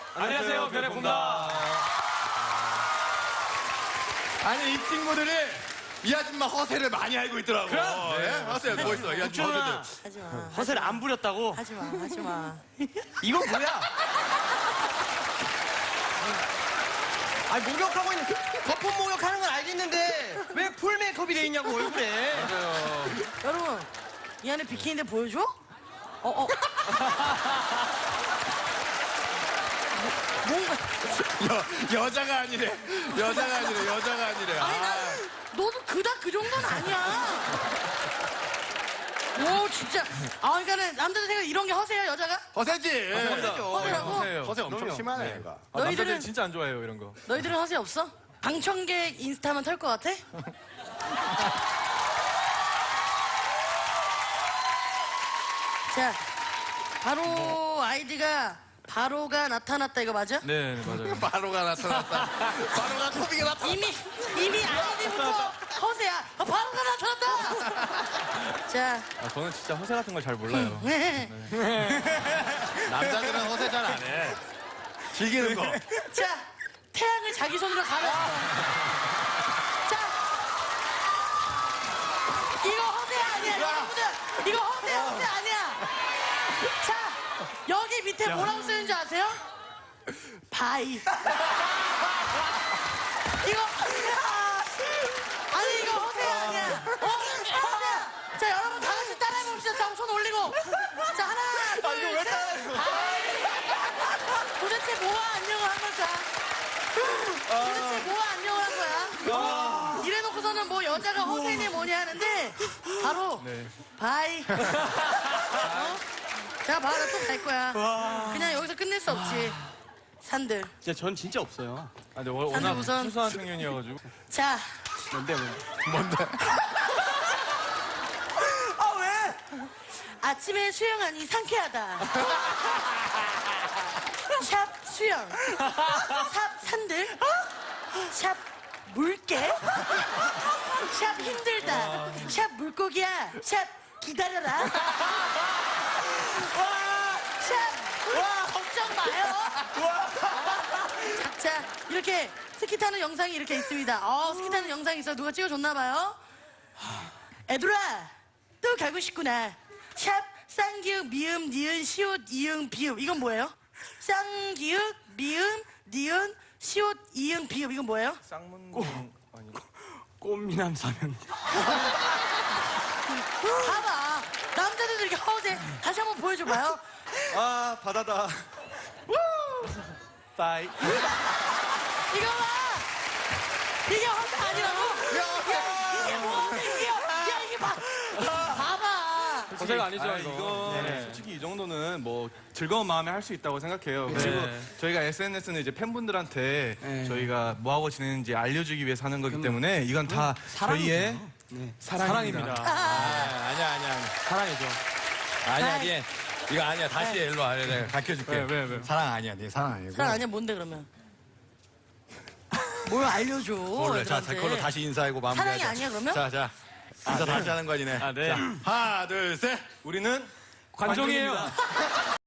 안녕하세요, 변해봅니다. 아니, 이 친구들이 이 아줌마 허세를 많이 알고 있더라고. 그럼? 네? 허세 뭐 있어? 이 아줌마 허세들. 하지마. 허세를 안 부렸다고? 하지마. 하지마. 이건 뭐야? 아니, 목욕하고 있는, 거품 목욕하는 건 알겠는데, 왜 풀 메이크업이 돼 있냐고, 얼굴에. 여러분, 이 안에 비키니인데 보여줘? 뭔가. 여자가 아니래. 여자가 아니래. 여자가 아니래. 아니, 나는 너도 그닥 그 정도는 아니야. 오, 진짜. 아, 그러니까는 남자들 생각 이런 게 허세야, 여자가? 허세지. 허세라고? 허세 엄청 심하네, 얘가. 너희들은 진짜 안 좋아해요 이런 거. 너희들은 허세 없어? 방청객 인스타만 털 것 같아? 자, 바로 아이디가 바로가 나타났다 이거 맞아? 네, 맞아요. 바로가 나타났다. 바로가 토비가 나타났다. 이미 아이디부터 허세야. 바로가 나타났다. 자, 저는 진짜 허세 같은 걸 잘 몰라요. 남자들은 허세 잘 안 해. 즐기는 거. 자, 태양을 자기 손으로 가렸어. 자, 이거 허세 아니야, 여러분들. 이거 허세 아니야. 자, 여기 밑에 뭐라고 쓰는 줄 아세요? 바이. 이거 아니 이거 허세 아니야. 허세야. 자, 여러분 다 같이 따라해봅시다. 자, 손 올리고. 자, 하나, 둘, 이거 왜 셋. 따라해? 바이. 도대체 뭐와 안녕을 한 걸까? 도대체 뭐와 안녕을 한 거야? 이래놓고서는 뭐 여자가 허세니 뭐니 하는데 바로 네. 바이. 자, 봐라 또 갈 거야. 그냥 여기서 끝낼 수 없지. 산들. 진짜 전 진짜 없어요. 아, 근데 워낙 우선- 순수한 청년이어가지고. 자, 뭔데? 아 왜? 아침에 수영하니 상쾌하다. 샵 수영. 샵 산들. 샵 물개. 샵 힘들다. 샵 물고기야. 샵 기다려라. 샵 걱정 마요. 자, 이렇게 스키 타는 영상이 이렇게 있습니다. 스키 타는 영상이 있어. 누가 찍어줬나 봐요. 애들아, 또 가고 싶구나. 샵 쌍기역 미음 니은 시옷 이응 비읍. 이건 뭐예요? 쌍기역 미음 니은 시옷 이응 비읍. 이건 뭐예요? 쌍문 아니. 꽃미남 사면. 봐봐. 남자들도 이렇게 허세. 다시 한번 보여줘봐요. 아, 바다다. 바이. 이거 봐. 이게 허세 아니라고? 이게 뭐 허세야? 야, 이게 봐. 봐봐. 허세가 아니죠, 아, 이거. 네. 솔직히 이 정도는 뭐 즐거운 마음에 할 수 있다고 생각해요. 그리고 저희가 SNS는 이제 팬분들한테 저희가 뭐하고 지내는지 알려주기 위해서 하는 거기 때문에 이건 다 저희의 사랑입니다. 아니야. 사랑이죠. 아니야. 이거 아니야. 다시 해. 일로 와. 내가 가르쳐줄게. 왜? 사랑 아니야. 네 사랑 아니고. 사랑 아니야? 뭔데 그러면? 뭘 알려줘. 몰래. 자, 애들한테. 그걸로 다시 인사하고 마무리하자. 사랑이 아니야, 그러면? 자. 인사 다시 하는 거지, 네. 아, 네. 자, 하나, 둘, 셋. 우리는 관종이에요.